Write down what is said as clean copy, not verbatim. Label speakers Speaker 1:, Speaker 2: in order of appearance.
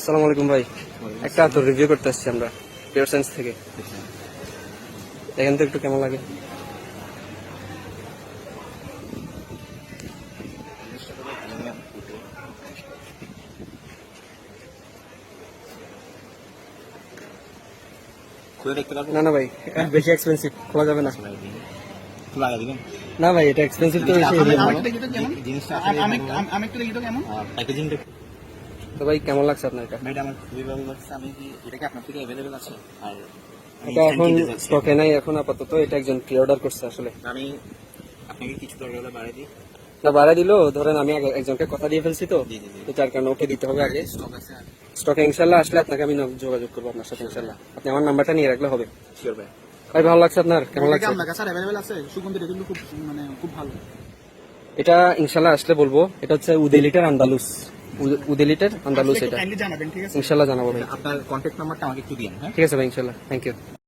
Speaker 1: আসসালামু আলাইকুম ভাই, একটা তো রিভিউ করতে আসছি আমরা পিওর সায়েন্স থেকে। দেখেন তো একটু কেমন লাগে। না না ভাই, বেশি এক্সপেন্সিভ, খোলা যাবে না। না ভাই, এটা এক্সপেন্সিভ তো বেশি। তো ভাই কেমন লাগছে আপনার এটা? এটা এখন স্টকে নাই এখন আপাতত, এটা একজন প্রি অর্ডার করছে আসলে।
Speaker 2: আমি আপনাকে কিছু দরকার হলে বাড়াই দিই।
Speaker 1: না বাড়া দিলো, ধরেন আমি একজনকে কথা দিয়ে ফেলছি তো, তো যার কারণে ওকে দিতে হবে আগে।
Speaker 2: স্টক আছে
Speaker 1: স্টকে ইনশাল্লাহ আসলে আপনাকে আমি যোগাযোগ করবো আপনার সাথে ইনশাল্লাহ। আপনি আমার নাম্বারটা নিয়ে রাখলে হবে।
Speaker 2: শিওর ভাই।
Speaker 1: ভাই ভালো লাগছে আপনার? কেমন লাগছে?
Speaker 3: আপনার কাছে অ্যাভেলেবল আছে সুগন্ধি, এগুলো খুব খুব ভালো।
Speaker 1: এটা ইনশাল্লাহ আসলে বলবো। এটা হচ্ছে উদেলিটার আন্দালুস, উদেলিটার আন্দালুস। এটা
Speaker 3: জানাবেন, ঠিক আছে?
Speaker 1: ইনশাল্লাহ জানাবো ভাই।
Speaker 2: আপনার কন্ট্যাক্ট নাম্বারটা আমাকে একটু দিন। হ্যাঁ,
Speaker 1: ঠিক আছে ভাই, ইনশাল্লাহ। Thank you.